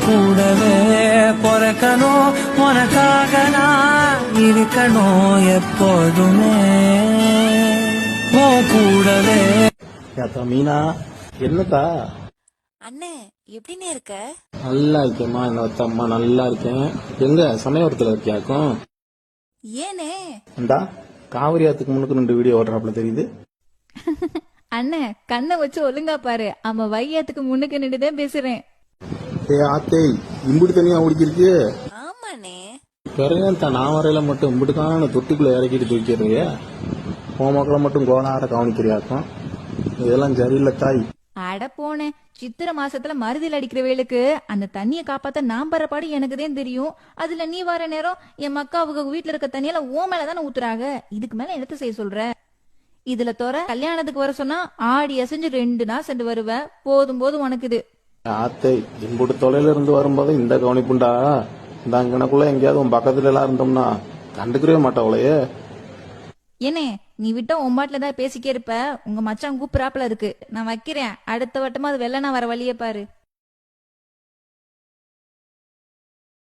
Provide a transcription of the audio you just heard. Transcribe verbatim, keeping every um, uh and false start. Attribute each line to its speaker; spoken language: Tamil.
Speaker 1: கூடவே பிறக்கணும் உனக்காக நான் இருக்கணும் எப்போதுமே உன் கூடவே.
Speaker 2: ஏத்தா மீனா, என்னத்தா?
Speaker 3: அண்ணே எப்படின்னு இருக்க?
Speaker 2: நல்லா இருக்கேம்மா, என்னத்த அம்மா நல்லா இருக்கேன். எங்க சமயபுரத்துல இருக்கியாக்கும்?
Speaker 3: ஏனே?
Speaker 2: இந்தா காவிரி ஆத்துக்கு முன்னுக்கு ரெண்டு வீடியோ ஓடுறாப்புல தெரியுது.
Speaker 4: அண்ணே கண்ணை வச்சு ஒழுங்கா பாரு, அவன் வையத்துக்கு முன்னுக்கு நின்றுதான் பேசுறேன்.
Speaker 2: ஏ ஆத்தே, இம்புடி தனியா ஓடிக்கிருக்கு.
Speaker 3: ஆமாண்ணே.
Speaker 2: பிறகு நான் வரையில மட்டும் இம்புட்டுக்கான தொட்டிக்குள்ள இறக்கிட்டு தூக்கிடுறிய, உன் மக்களை மட்டும் கோணார கவனிக்கிறியாக்கும். இதெல்லாம் சரியில்லை தாய்.
Speaker 4: அட போனேன், சித்திரை மாசத்துல மருதில் அடிக்கிற வேலுக்கு அந்த தண்ணிய காப்பாத்த நான் பர பாடு எனக்குதான் தெரியும். அதுல நீ வர நேரம் என் மக்கா அவங்க வீட்டுல இருக்க தண்ணியில ஓ மேலதானே ஊத்துறாங்க. இதுக்கு மேல என்னத்த செய்ய சொல்ற? இதுல தோற கல்யாணத்துக்கு வர சொன்னா ஆடி அசைஞ்சு ரெண்டு நாள் சென்று வருவ. போதும் போதும் உனக்கு இது.
Speaker 2: ஆத்தை, இம்புட்டு தொலைல இருந்து வரும்போது இந்த கவனிப்புண்டா. இந்த அங்கனக்குள்ள எங்கேயாவது உன் பக்கத்துல எல்லாம் இருந்தோம்னா கண்டுக்கவே மாட்டாவளையே.
Speaker 4: ஏனே நீ விட்டா உம்மாட்டுல தான் பேசிக்கே இருப்ப. உங்க மச்சான் கூப்பிடாப்புல இருக்கு. நான் வைக்கிறேன். அடுத்த வட்டமா அது வெள்ளனா வர வழியே பாரு.